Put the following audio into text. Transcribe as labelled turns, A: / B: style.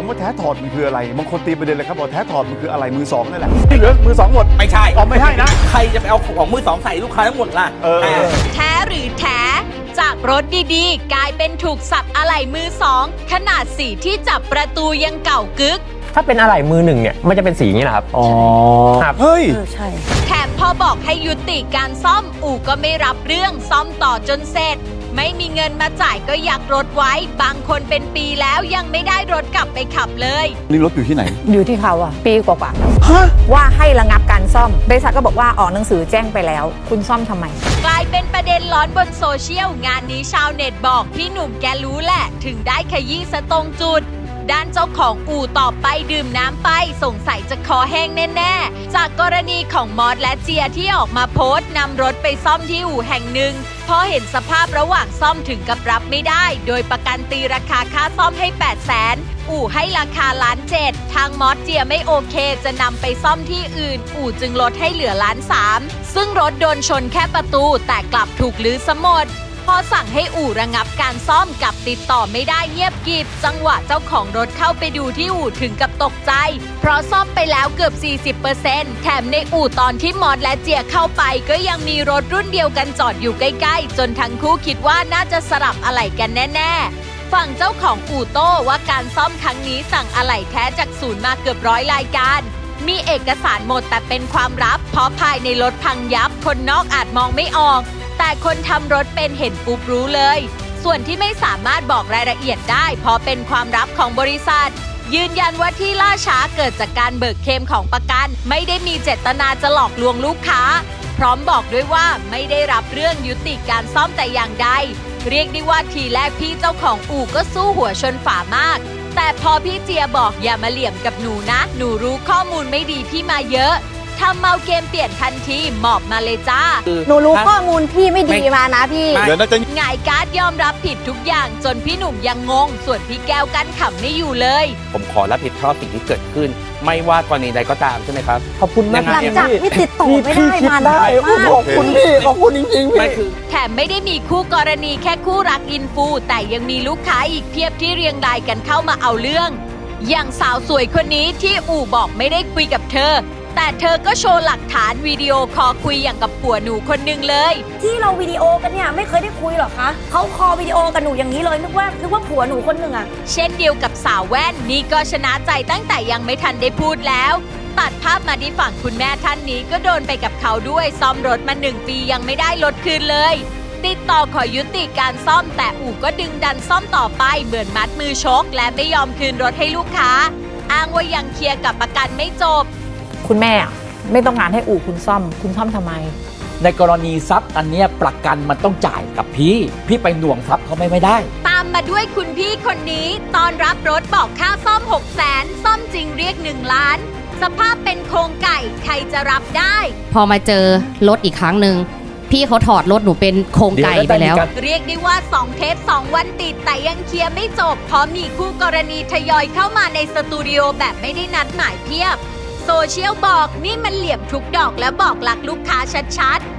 A: ำว่าแท้ถอดมันคืออะไรบางคนตีประเด็นเลยครับบอกแท้ถอดมันคืออะไรมือสองนั่นแหละที่เหลือมือสองหมด
B: ไม่ใช่
A: อ๋อไม่ใช่นะ
B: ใครจะไปเอาของมือสองใส่ลูกค้าทั้งหมดล่ะ
C: แท้หรือแท้จากรถดีๆกลายเป็นถูกสับอะไหล่มือสองขนาดสีที่จับประตูยังเก่ากึก
D: ถ้าเป็นอะไหล่มือหนึ่งเนี่ยมันจะเป็นสีอย่างนี้นะครับ
A: อ๋อ
D: ครับ
A: เฮ้ย
C: ใช่แถมพอบอกให้ยุติการซ่อมอู่ก็ไม่รับเรื่องซ่อมต่อจนเสร็จไม่มีเงินมาจ่ายก็ยักรถไว้บางคนเป็นปีแล้วยังไม่ได้รถกลับไปขับเลย
A: นี่รถอยู่ที่ไหน
E: อยู่ที่เขาอะปีกว่าๆว่าให้ระงับการซ่อมบริษัทก็บอกว่าออกหนังสือแจ้งไปแล้วคุณซ่อมทำไม
C: กลายเป็นประเด็นร้อนบนโซเชียลงานนี้ชาวเน็ตบอกพี่หนุ่มแกรู้แหละถึงได้ขยี้ซะตรงจุดด้านเจ้าของอู่ตอบไปดื่มน้ำไปสงสัยจะคอแห้งแน่ๆจากกรณีของมอสและเจียที่ออกมาโพสต์นำรถไปซ่อมที่อู่แห่งหนึ่งพอเห็นสภาพระหว่างซ่อมถึงกับรับไม่ได้โดยประกันตีราคาค่าซ่อมให้ 800,000 อู่ให้ราคา1,700,000ทางมอสเจียไม่โอเคจะนำไปซ่อมที่อื่นอู่จึงลดให้เหลือ1,300,000ซึ่งรถโดนชนแค่ประตูแต่กลับถูกลื้อซะหมดพอสั่งให้อู่ระงับการซ่อมกับติดต่อไม่ได้เงียบกริบจังหวะเจ้าของรถเข้าไปดูที่อู่ถึงกับตกใจเพราะซ่อมไปแล้วเกือบ 40% แถมในอู่ตอนที่มอสและเจียเข้าไปก็ยังมีรถรุ่นเดียวกันจอดอยู่ใกล้ๆจนทั้งคู่คิดว่าน่าจะสลับอะไหล่กันแน่ๆฝั่งเจ้าของอู่โต้ว่าการซ่อมครั้งนี้สั่งอะไหล่แท้จากศูนย์มาเกือบ100 รายการมีเอกสารหมดแต่เป็นความลับเพราะภายในรถพังยับคนนอกอาจมองไม่ออกแต่คนทำรถเป็นเห็นปุ๊บรู้เลยส่วนที่ไม่สามารถบอกรายละเอียดได้เพราะเป็นความลับของบริษัทยืนยันว่าที่ล่าช้าเกิดจากการเบิกเคลมของประกันไม่ได้มีเจตนาจะหลอกลวงลูกค้าพร้อมบอกด้วยว่าไม่ได้รับเรื่องยุติการซ่อมแต่อย่างใดเรียกได้ว่าทีแรกพี่เจ้าของอู่ก็สู้หัวชนฝามากแต่พอพี่เจียบอกอย่ามาเหลี่ยมกับหนูนะหนูรู้ข้อมูลไม่ดีพี่มาเยอะทำเมาเกมเปลี่ยนทันทีหมอบมาเลยจ้า
E: หนูรู้ข้อมูลพี่ไม่ดีมานะพี่
A: เดี๋ยวน่าจะ
C: หงายการ์ดยอมรับผิดทุกอย่างจนพี่หนุ่มยังงงส่วนพี่แก้วกั้นขำไม่อยู่เลย
B: ผมขอรับผิดชอบสิ่งที่เกิดขึ้นไม่ว่ากรณีใดก็ตามใช่ไหมครับ
D: ขอบคุณมาก
E: หลังจากที่ติดต่อไม่ได้มานานมาก
D: ขอบคุณพี่ขอบคุณจริงๆพี่
C: แถมไม่ได้มีคู่กรณีแค่คู่รักอินฟูแต่ยังมีลูกค้าอีกเพียบที่เรียงรายกันเข้ามาเอาเรื่องอย่างสาวสวยคนนี้ที่อู่บอกไม่ได้คุยกับเธอแต่เธอก็โชว์หลักฐานวิดีโอคอลคุยอย่างกับผัวหนูคนหนึ่งเลย
E: ที่เราวิดีโอกันเนี่ยไม่เคยได้คุยหรอคะเขาคอวิดีโอกับหนูอย่างนี้เลยนึกว่าผัวหนูคนหนึ่งอะ
C: เช่นเดียวกับสาวแว่นนี่ก็ชนะใจตั้งแต่ยังไม่ทันได้พูดแล้วตัดภาพมาที่ฝั่งคุณแม่ท่านนี้ก็โดนไปกับเขาด้วยซ่อมรถมา1 ปียังไม่ได้รถคืนเลยติดต่อขอยุติการซ่อมแต่อู่ก็ดึงดันซ่อมต่อไปเหมือนมัดมือชกและไม่ยอมคืนรถให้ลูกค้าอ้างว่ายังเคลียร์กับประกันไม่จบ
E: คุณแม่ไม่ต้องการให้อู่คุณซ่อมทำไม
F: ในกรณีทรัพย์อันนี้ประกันมันต้องจ่ายกับพี่ไปหน่วงทรัพย์เขาไม่ได้
C: ตามมาด้วยคุณพี่คนนี้ตอนรับรถบอกค่าซ่อม 600,000 ซ่อมจริงเรียก1 ล้านสภาพเป็นโครงไก่ใครจะรับได้
G: พอมาเจอรถอีกครั้งหนึ่งพี่เขาถอดรถหนูเป็นโครงไก่ไปแล้ว
C: เรียกได้ว่า2 เทป 2 วันติดแต่ยังเคลียร์ไม่จบเพราะมีคู่กรณีทยอยเข้ามาในสตูดิโอแบบไม่ได้นัดหมายเพียบโซเชียลบอกนี่มันเหลี่ยมทุกดอกและบอกหลักลูกค้าชัดๆ